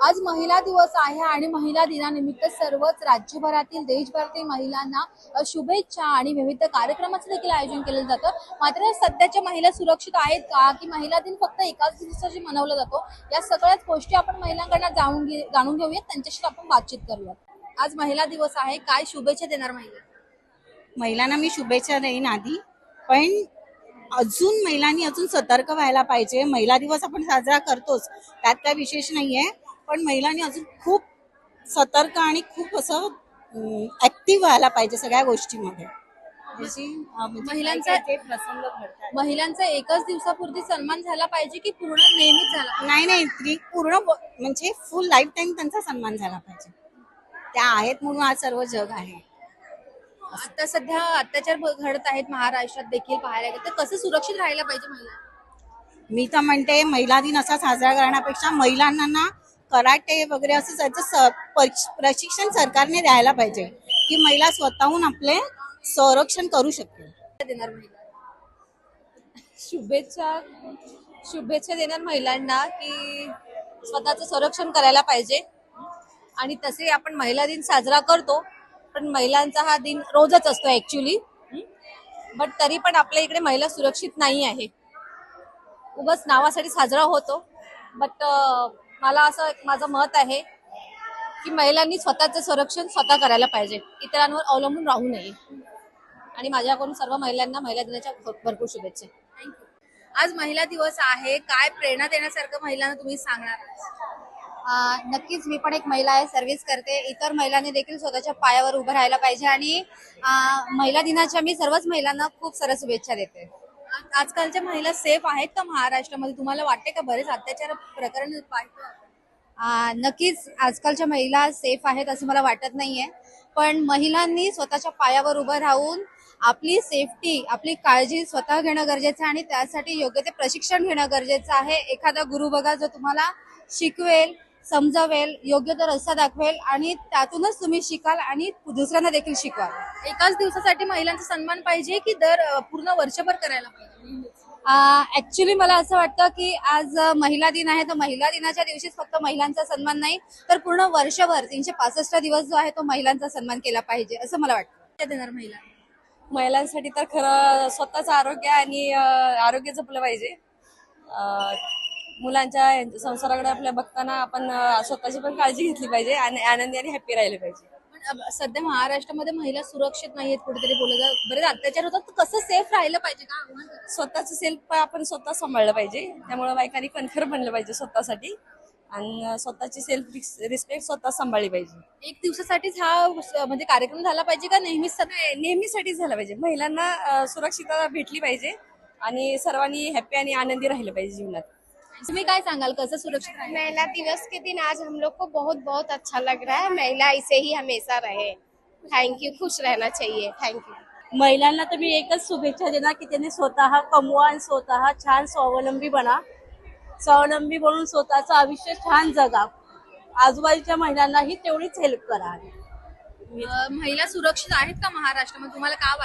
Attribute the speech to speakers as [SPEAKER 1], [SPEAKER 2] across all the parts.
[SPEAKER 1] आज महिला दिवस आहे आणि महिला दिनानिमित्त सर्वच राज्यभरातील देशभरातील महिलांना शुभेच्छा आणि विविध कार्यक्रमाचं देखील आयोजन केलं जातं। मात्र सध्याच्या महिला सुरक्षित आहेत का की महिला दिन फक्त एकाच दिवसाची मनवला जातो, या सगळ्याच गोष्टी आपण महिलांकडून जाणून घेऊयात, त्यांच्याशी आपण बातचीत करूयात। आज महिला दिवस आहे, काय शुभेच्छा देणार
[SPEAKER 2] महिलांना मी शुभेच्छा देईन आधी, पण अजून महिलांनी अजून सतर्क व्हायला पाहिजे। महिला दिवस आपण साजरा करतोच, त्यात काय विशेष नाहीये, पण महिलांनी अजून खूप सतर्क आणि खूप असं ऍक्टिव्ह व्हायला पाहिजे सगळ्या गोष्टीमध्ये।
[SPEAKER 1] महिलांचा एकच दिवसापुरती सन्मान झाला पाहिजे की पूर्ण नेहमीच झाला?
[SPEAKER 2] नाही, ती पूर्ण म्हणजे फुल लाईफ टाइम त्यांचा सन्मान झाला पाहिजे। त्या आहेत म्हणून आज सर्व जग आहे।
[SPEAKER 1] आता सध्या अत्याचार घडत आहेत महाराष्ट्रात देखील पाहायला गेलं तर कसं सुरक्षित राहायला पाहिजे महिला?
[SPEAKER 2] मी तर म्हणते महिला दिन असा साजरा करण्यापेक्षा महिलांना ना कराटे वगैरे असं त्याचं प्रशिक्षण सरकारने द्यायला पाहिजे की महिला स्वतःहून आपले संरक्षण करू शकते।
[SPEAKER 1] देणार महिला
[SPEAKER 3] शुभेच्छा देणार महिलांना की स्वतःचं संरक्षण करायला पाहिजे। आणि तसे आपण महिला दिन साजरा करतो, पण महिलांचा हा दिन रोजच असतो ऍक्च्युली, बट तरी पण आपल्या इकडे महिला सुरक्षित नाही आहे, उगाच नावासाठी साजरा होतो। बट मला असं माझं मत आहे की महिलांनी स्वतःचं संरक्षण स्वतः करायला पाहिजे, इतरांवर अवलंबून राहू नये। आणि माझ्याकडून सर्व महिलांना महिला दिनाच्या भरपूर शुभेच्छा।
[SPEAKER 1] आज महिला दिवस आहे, काय प्रेरणा देण्यासारखं महिलांना तुम्ही सांगणार?
[SPEAKER 4] नक्कीच मी पण एक महिला आहे, सर्व्हिस करते। इतर महिलांनी देखील स्वतःच्या पायावर उभं राहायला पाहिजे आणि महिला दिनाच्या मी सर्वच महिलांना खूप साऱ्या शुभेच्छा देते।
[SPEAKER 1] आजकालच्या महिला सेफ आहेत का महाराष्ट्रामध्ये? तुम्हाला वाटते का बरेच अत्याचार प्रकरण पाहतो?
[SPEAKER 4] नक्कीच आजकालच्या महिला सेफ आहेत असं मला वाटत नाहीये, पण महिलांनी स्वतःच्या पायावर उभं राहून आपली सेफ्टी, आपली काळजी स्वतः घेणं गरजेचं आहे आणि त्यासाठी योग्य ते प्रशिक्षण घेणं गरजेचं आहे। एखादा गुरु बघा जो तुम्हाला शिकवेल, समजावेल, योग्य तो रस्ता दाखवेल आणि त्यातूनच तुम्ही शिकाल आणि दुसऱ्यांना देखील शिकवाल।
[SPEAKER 1] एकाच दिवसासाठी महिलांचा सन्मान पाहिजे की पूर्ण वर्षभर करायला पाहिजे?
[SPEAKER 4] ऍक्च्युली मला असं वाटतं की आज महिला दिन आहे, तर महिला दिनाच्या दिवशीच फक्त महिलांचा सन्मान नाही तर पूर्ण वर्षभर 365 दिवस जो आहे तो महिलांचा सन्मान केला पाहिजे असं मला वाटतं।
[SPEAKER 1] देणार महिला
[SPEAKER 3] महिलांसाठी तर खरं स्वतःचं आरोग्य आणि आरोग्य जपलं पाहिजे। मुलांच्या संसाराकडे आपल्या बघताना आपण स्वतःची पण काळजी घेतली पाहिजे आणि आनंदी आणि हॅप्पी राहिले पाहिजे।
[SPEAKER 1] पण सध्या महाराष्ट्रामध्ये महिला सुरक्षित नाहीयेत, कुठेतरी बोलत बरेच अत्याचार होतात, तर कसं सेफ राहिलं पाहिजे का?
[SPEAKER 3] स्वतःचं सेल्फ आपण स्वतः सांभाळलं पाहिजे, त्यामुळे बायकांनी कणखर बनलं पाहिजे स्वतःसाठी आणि स्वतःची सेल्फ रिस्पेक्ट स्वतः सांभाळली पाहिजे।
[SPEAKER 1] एक दिवसासाठीच हा म्हणजे कार्यक्रम झाला पाहिजे का
[SPEAKER 3] नेहमीसाठीच झाला पाहिजे? महिलांना सुरक्षितता भेटली पाहिजे आणि सर्वांनी हॅप्पी आणि आनंदी राहिलं पाहिजे जीवनात।
[SPEAKER 1] तुम्ही काय सांगाल, कसं सुरक्षित राहायला?
[SPEAKER 5] महिला दिवस के दिन आज हम लोग को बहुत बहुत अच्छा लग रहा है। महिला ऐसे ही हमेशा रहे। थैंक यू, खुश रहना चाहिए। Thank you.
[SPEAKER 2] महिलांना तर मी एकच शुभेच्छा देणार की त्यांनी स्वतः कमवा आणि स्वतः छान स्वावलंबी बना, स्वावलंबी बनून स्वतःचं आयुष्य छान जगा, आजूबाजूच्या महिलांनाही तेवढीच हेल्प करा।
[SPEAKER 1] महिला सुरक्षित आहेत का महाराष्ट्रामध्ये? तुम्हाला काय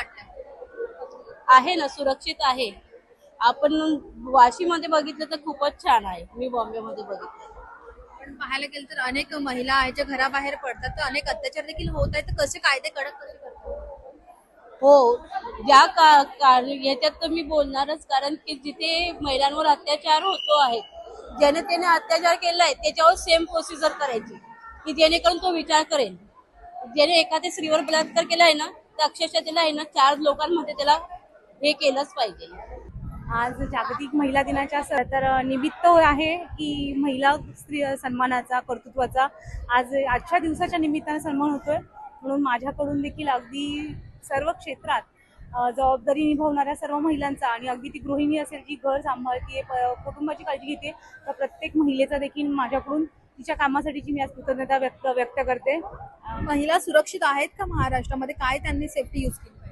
[SPEAKER 1] वाटतं?
[SPEAKER 2] आहे ना, सुरक्षित आहे। आपण वाशीमध्ये बघितलं तर खूपच छान आहे, मी बॉम्बेमध्ये बघितलं।
[SPEAKER 1] पण पाहायला गेलं तर अनेक महिला आहेत ज्या घराबाहेर पडतात, तर अनेक अत्याचार देखील होत आहेत, तर कसे कायदे कडक कसे करतात?
[SPEAKER 2] हो, या याच्यात तर मी बोलणारच, कारण की जिथे महिलांवर अत्याचार होतो आहे, ज्याने त्याने अत्याचार केलाय त्याच्यावर सेम प्रोसिजर करायची की जेणेकरून तो विचार करेल। ज्याने एखाद्या स्त्रीवर बलात्कार केला आहे ना, तर अक्षरशः त्याला आहे ना 4 लोकांमध्ये त्याला हे केलंच पाहिजे।
[SPEAKER 6] आज जागतिक महिला दिनाच्या तर निमित्त आहे की महिला स्त्री सन्मानाचा, कर्तृत्वाचा आज आजच्या दिवसाच्या निमित्ताने सन्मान होतोय, म्हणून माझ्याकडून देखील अगदी सर्व क्षेत्रात जबाबदारी निभावणाऱ्या सर्व महिलांचा आणि अगदी ती गृहिणी असेल जी घर सांभाळते, कुटुंबाची काळजी घेते, तर प्रत्येक महिलेचा देखील माझ्याकडून तिच्या कामासाठीची मी आज कृतज्ञता व्यक्त करते।
[SPEAKER 1] महिला सुरक्षित आहेत का महाराष्ट्रामध्ये? काय त्यांनी सेफ्टी यूज केली?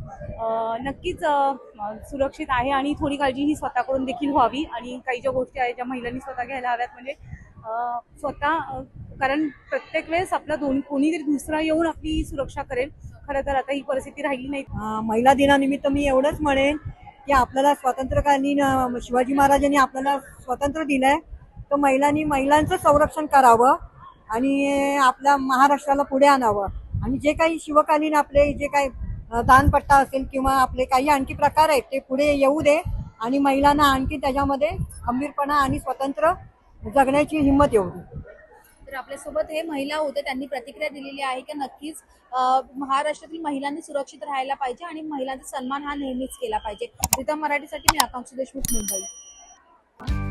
[SPEAKER 6] नक्कीच सुरक्षित आहे आणि थोडी काळजी ही स्वतःकडून देखील व्हावी आणि काही ज्या गोष्टी आहेत ज्या महिलांनी स्वतः घ्यायला हव्यात, म्हणजे स्वतः, कारण प्रत्येक वेळेस आपला कोणीतरी दुसरा येऊन आपली सुरक्षा करेल। खरं तर आता ही परिस्थिती राहिली नाही।
[SPEAKER 7] महिला दिनानिमित्त मी एवढंच म्हणेन की आपल्याला स्वातंत्र्यकालीन शिवाजी महाराजांनी आपल्याला स्वातंत्र्य दिलंय, तर महिलांनी महिलांचं संरक्षण करावं आणि आपल्या महाराष्ट्राला पुढे आणावं. आणि जे काही शिवकालीन आपले जे काही दानपट्टा असेल किंवा आपले काही आणखी प्रकार आहेत ते पुढे येऊ दे आणि महिलांना आणखी त्याच्यामध्ये खंबीरपणा आणि स्वतंत्र जगण्याची हिंमत येऊ दे.
[SPEAKER 1] तर आपल्यासोबत हे महिला होते, त्यांनी प्रतिक्रिया दिलेली आहे की नक्कीच महाराष्ट्रातील महिलांनी सुरक्षित राहायला पाहिजे आणि महिलांचा सन्मान हा नेहमीच केला पाहिजे. रितम मराठीसाठी मी आकांक्षा देशमुख, मुंबई.